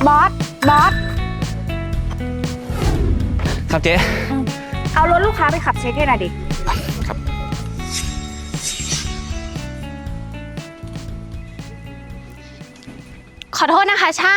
บอสครับเจ๊เอารถลูกค้าไปขับเช็คให้หน่อยดิครับขอโทษนะคะช่าง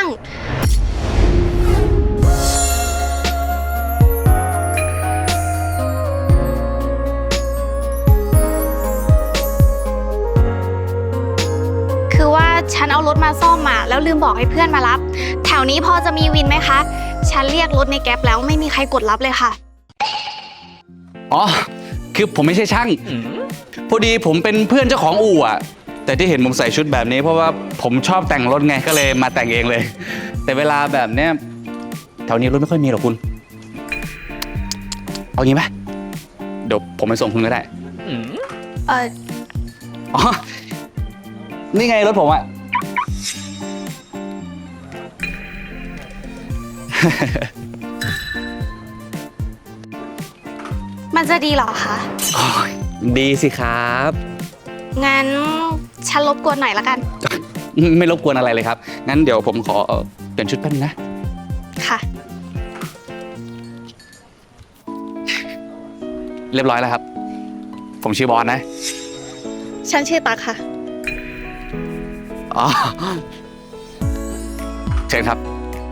คือว่าฉันเอารถมาซ่อมมาแล้วลืมบอกให้เพื่อนมารับ แถวนี้พอจะมีวินไหมคะ ฉันเรียกรถในแก๊ปแล้วไม่มีใครกดรับเลยค่ะอ๋อคือผมไม่ใช่ช่างพอดีผมเป็นเพื่อนเจ้าของอู่อะแต่ที่เห็นผมใส่ชุดแบบนี้เพราะว่าผมชอบแต่งรถไงก็เลยมาแต่งเองเลย แต่เวลาแบบเนี้ยแถวนี้รถไม่ค่อยมีหรอกคุณเอางี้ไหมเดี๋ยวผมไปส่งคุณก็ได้อ๋อนี่ไงรถผมอะมันจะดีเหรอคะดีสิครับงั้นฉันรบกวนหน่อยละกันไม่รบกวนอะไรเลยครับงั้นเดี๋ยวผมขอเปลี่ยนชุดแป๊บนึงนะค่ะเรียบร้อยแล้วครับผมชื่อบอสนะฉันชื่อตั๊กค่ะอ๋อเชิญครับ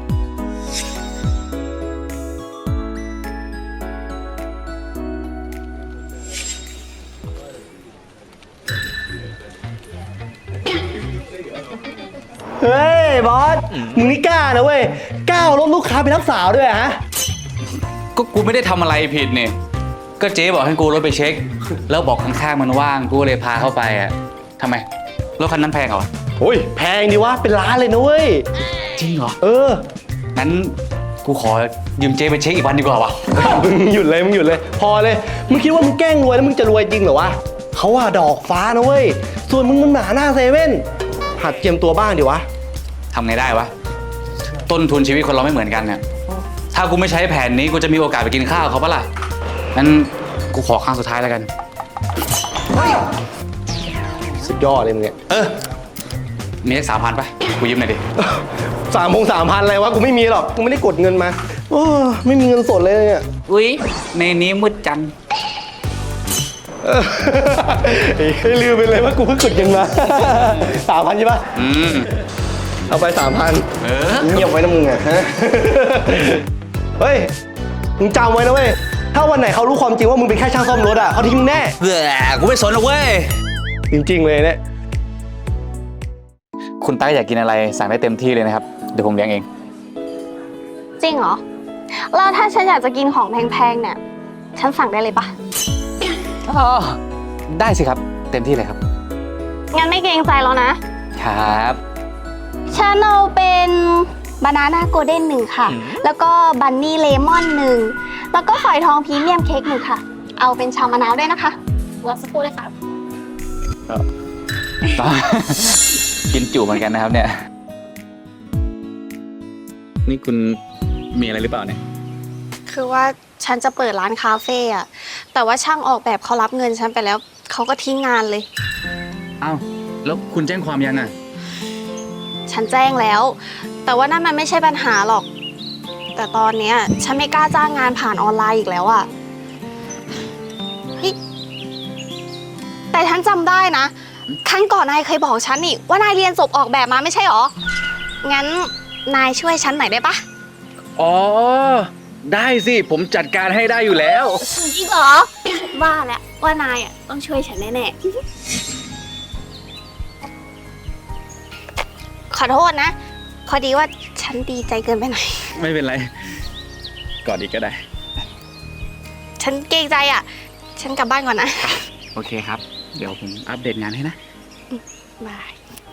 เฮ้ยบอส มึงนี่กล้านะเว้ย กล้าเอารถลูกค้าไปรับสาวด้วยฮะก็กูไม่ได้ทำอะไรผิดเนี่ยก็เจ๊บอกให้กูรถไปเช็ค แล้วบอกข้างๆมันว่างกูเลยพาเข้าไปอ่ะทำไมรถคันนั้นแพงเหรอโอ้ยแพงดีวะ เป็นล้านเลยนะเว้ยจริงเหรอเอองั้นกูขอยืมเจ๊ไปเช็คอีกวันดีกว่าวะมึงหยุดเลย มึงหยุดเลย พอเลย มึงคิดว่ามึงแกล้งรวยแล้วมึงจะรวยจริงเหรอวะเขาว่าดอกฟ้านะเว้ย ส่วนมึงมันหมาหน้าเซเว่น หัดเจียมตัวบ้างดิวะทำไงได้วะต้นทุนชีวิตคนเราไม่เหมือนกันเนี่ยถ้ากูไม่ใช้แผนนี้กูจะมีโอกาสไปกินข้าวเขาปะล่ะงั้นกูขอครั้งสุดท้ายแล้วกันสุดยอดเลยมึงเนี่ยมีสัก3,000ป่ะกูยืมหน่อยดิ 3,000อะไรวะ กูไม่มีหรอก กูไม่ได้กดเงินมา โอ้ไม่มีเงินสดเลยเนี่ยอุ้ยในนี้มืดจังลืมไปเลยว่ากูเพิ่งกดเงินมา 3,000ใช่ปะเอาไป 3,000เงียบไว้นะมึงอ่ะฮะ เฮ้ย มึงจำไว้นะเว้ย ถ้าวันไหนเขารู้ความจริงว่ามึงเป็นแค่ช่างซ่อมรถอ่ะเขาทิ้งมึงแน่เบื่อกูไม่สนหรอกเว้ยจริงๆเลยเนี่ยคุณต้าอยากกินอะไรสั่งได้เต็มที่เลยนะครับเดี๋ยวผมเลี้ยงเองจริงเหรอ แล้วถ้าฉันอยากจะกินของแพงๆเนี่ย ฉันสั่งได้เลยปะอ๋อได้สิครับเต็มที่เลยครับงั้นไม่เกรงใจแล้วนะครับฉันเอาเป็นบานาน่าโกลเด้น1ค่ะ แล้วก็บันนี่เลมอน1แล้วก็ฝอยทองพรีเมียมเค้ก1ค่ะ เอาเป็นชามะนาวด้วยนะคะรอสักครู่เลยค่ะกินจุเหมือนกันนะครับเนี่ยนี่คุณมีอะไรหรือเปล่าเนี่ยคือว่าฉันจะเปิดร้านคาเฟ่อะแต่ว่าช่างออกแบบเขารับเงินฉันไปแล้วเขาก็ทิ้งงานเลยอ้าวแล้วคุณแจ้งความยังอ่ะฉันแจ้งแล้ว แต่ว่านั่นมันไม่ใช่ปัญหาหรอก แต่ตอนเนี้ยฉันไม่กล้าจ้างงานผ่านออนไลน์อีกแล้วอะเฮ้ยแต่ฉันจำได้นะครั้งก่อนนายเคยบอกฉันนี่ว่านายเรียนจบออกแบบมาไม่ใช่หรอ งั้นนายช่วยฉันหน่อยได้ปะอ๋อได้สิผมจัดการให้ได้อยู่แล้วจริงเหรอว่าแล้วว่านายอะต้องช่วยฉันแน่ๆขอโทษนะพอดีว่าฉันดีใจเกินไปหน่อยไม่เป็นไรกอดอีกก็ได้ฉันเกรงใจอ่ะ ฉันกลับบ้านก่อนนะโอเคครับ เดี๋ยวผมอัปเดตงานให้นะบาย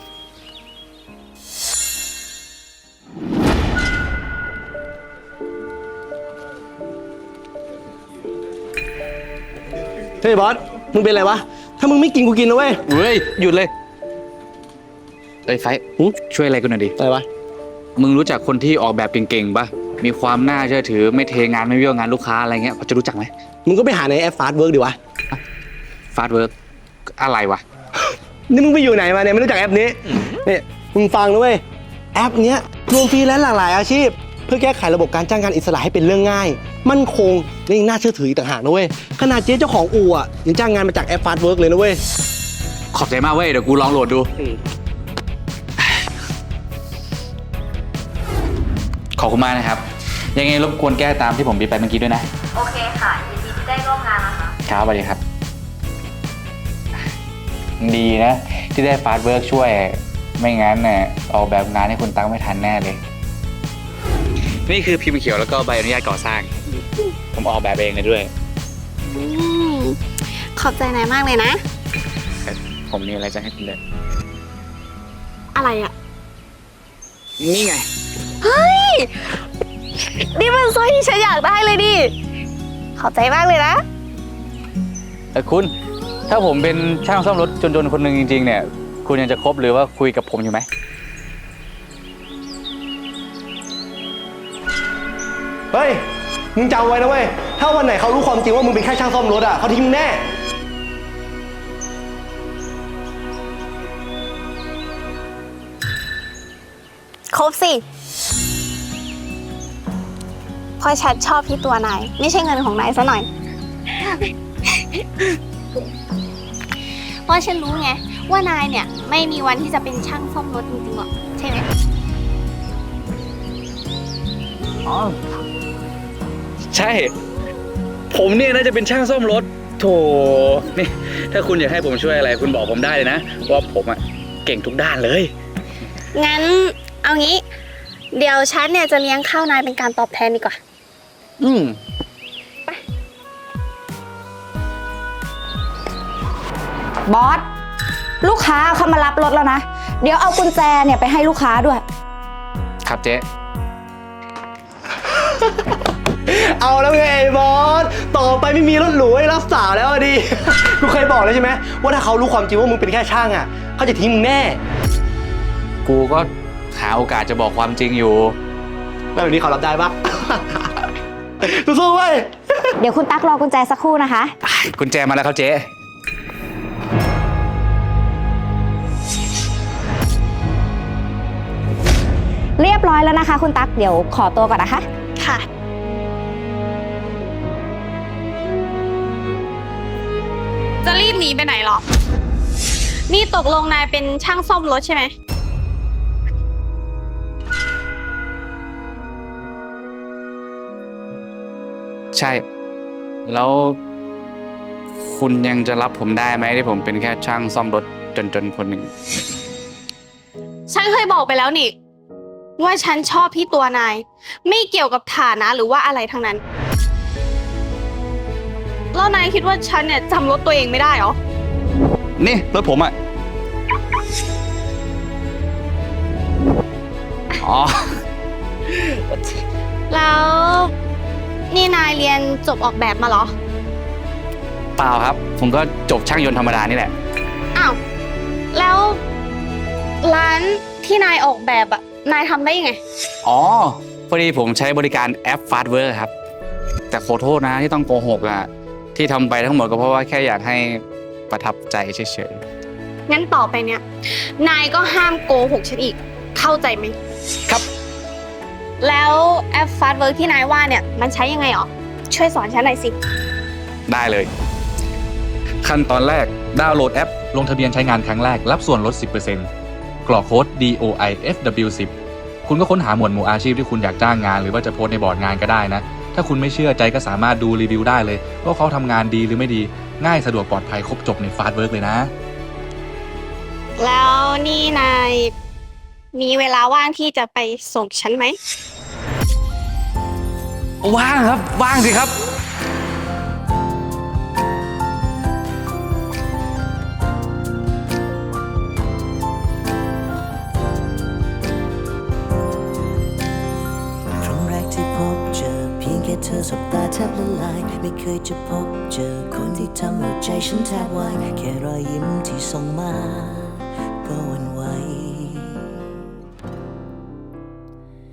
เฮ้ยบอส มึงเป็นอะไรวะ ถ้ามึงไม่กินกูกินนะเว้ยเฮ้ยหยุดเลยไอ้ไฟช่วยอะไรกูหน่อยดิอะไรวะมึงรู้จักคนที่ออกแบบเก่งๆป่ะมีความน่าเชื่อถือไม่เทงานไม่เบี้ยวงานลูกค้าอะไรเงี้ยพอจะรู้จักไหมมึงก็ไปหาในแอปฟาสต์เวิร์กดิวะฟาสต์เวิร์กอะไรวะนี่มึงไปอยู่ไหนมาเนี่ยไม่รู้จักแอปนี้เนี่ยมึงฟังนะเว้ยแอปเนี้ยรวมฟรีแลนซ์หลากหลายอาชีพ เพื่อแก้ไขระบบการจ้างงานอิสระให้เป็นเรื่องง่าย มั่นคงและยังน่าเชื่อถืออีกต่างหากนะเว้ยขนาดเจ๊เจ้าของอู่อ่ะยังจ้างงานมาจากแอปฟาสต์เวิร์กเลยนะเว้ยขอบใจมากเว้ย เดี๋ยวกูลองโหลดดู ขอบคุณมากนะครับ ยังไงรบกวนแก้ตามที่ผมบีบไปเมื่อกี้ด้วยนะโอเคค่ะ ยินดีที่ได้ร่วมงานนะคะครับสวัสดีครับ ดีนะที่ได้ฟาสต์เวิร์กช่วย ไม่งั้นเนี่ยออกแบบงานให้คุณตั้งไม่ทันแน่เลย นี่คือพิมพ์เขียวแล้วก็ใบอนุญาตก่อสร้าง ผมออกแบบเองเลยด้วยอืมขอบใจนายมากเลยนะผมมีอะไรจะให้คุณเด็ดอะไรอะนี่ไงนี่มันสร้อยที่ฉันอยากได้เลยดิขอบใจมากเลยนะคุณ ถ้าผมเป็นช่างซ่อมรถจนๆคนหนึ่งจริงๆ เนี่ย คุณยังจะคบหรือว่าคุยกับผมอยู่ไหมเฮ้ย มึงจำไว้นะเว้ย ถ้าวันไหนเขารู้ความจริงว่ามึงเป็นแค่ช่างซ่อมรถอ่ะเขาทิ้งมึงแน่ครบสิเพราะฉันชอบที่ตัวนาย ไม่ใช่เงินของนายซะหน่อย เพราะฉันรู้ไงว่านายเนี่ยไม่มีวันที่จะเป็นช่างซ่อมรถจริงๆหรอกใช่ไหมอ๋อ ใช่ ผมเนี่ยน่าจะเป็นช่างซ่อมรถ โถ นี่ ถ้าคุณอยากให้ผมช่วยอะไร คุณบอกผมได้เลยนะ ว่าผมอะเก่งทุกด้านเลยงั้นเอางี้ เดี๋ยวฉันเนี่ยจะเลี้ยงข้าวนายเป็นการตอบแทนดีกว่าอืมบอส ลูกค้าเขามารับรถแล้วนะ เดี๋ยวเอากุญแจเนี่ยไปให้ลูกค้าด้วยครับเจ๊เอาแล้วไงไอ้บอส ต่อไปไม่มีรถหรูให้รับสาวแล้วอะดิ กูเคยบอกแล้วใช่ไหมว่าถ้าเขารู้ความจริงว่ามึงเป็นแค่ช่างอ่ะเขาจะทิ้งมึงแน่กูก็หาโอกาสจะบอกความจริงอยู่แล้วแบบนี้เขารับได้ปะ สู้ๆเว้ยเดี๋ยวคุณตั๊กรอกุญแจสักครู่นะคะกุญแจมาแล้วครับเจ๊เรียบร้อยแล้วนะคะ คุณตั๊ก เดี๋ยวขอตัวก่อนนะคะค่ะ จะรีบหนีไปไหนหรอ นี่ตกลงนายเป็นช่างซ่อมรถใช่ไหมใช่ แล้วคุณยังจะรับผมได้ไหมที่ผมเป็นแค่ช่างซ่อมรถจนๆคนหนึ่งฉันเคยบอกไปแล้วนี่ ว่าฉันชอบที่ตัวนาย ไม่เกี่ยวกับฐานะหรือว่าอะไรทั้งนั้น แล้วนายคิดว่าฉันเนี่ยจำรถตัวเองไม่ได้เหรอนี่รถผมอ่ะ อ๋อแล้วนี่นายเรียนจบออกแบบมาเหรอเปล่าครับ ผมก็จบช่างยนต์ธรรมดานี่แหละอ้าว แล้วร้านที่นายออกแบบอะนายทำได้ยังไงอ๋อ พอดีผมใช้บริการแอปฟาสต์เวิร์กครับ แต่ขอโทษนะที่ต้องโกหกอ่ะ ที่ทำไปทั้งหมดก็เพราะว่าแค่อยากให้ประทับใจเฉยงั้นต่อไปเนี่ย นายก็ห้ามโกหกฉันอีก เข้าใจไหมๆ ครับแล้วแอปฟาสต์เวิร์กที่นายว่าเนี่ยมันใช้ยังไงหรอ ช่วยสอนฉันหน่อยสิได้เลย ขั้นตอนแรกดาวน์โหลดแอป ลงทะเบียนใช้งานครั้งแรกรับส่วนลด 10% กรอกโค้ด DOIFW10 คุณก็ค้นหาหมวดหมู่อาชีพที่คุณอยากจ้างงานหรือว่าจะโพสต์ในบอร์ดงานก็ได้นะ ถ้าคุณไม่เชื่อใจก็สามารถดูรีวิวได้เลยว่าเขาทำงานดีหรือไม่ดี ง่ายสะดวกปลอดภัยครบจบในฟาสต์เวิร์กเลยนะแล้วนี่นายมีเวลาว่างที่จะไปส่งฉันไหมว่างครับ ว่างสิครับครั้งแรกที่พบเจอเพียงแค่เธอสบตาแทบละลายไม่เคยจะพบเจอคนที่ทำหัวใจฉันแทบวายแค่รอยยิ้มที่ส่งมาก็หวั่น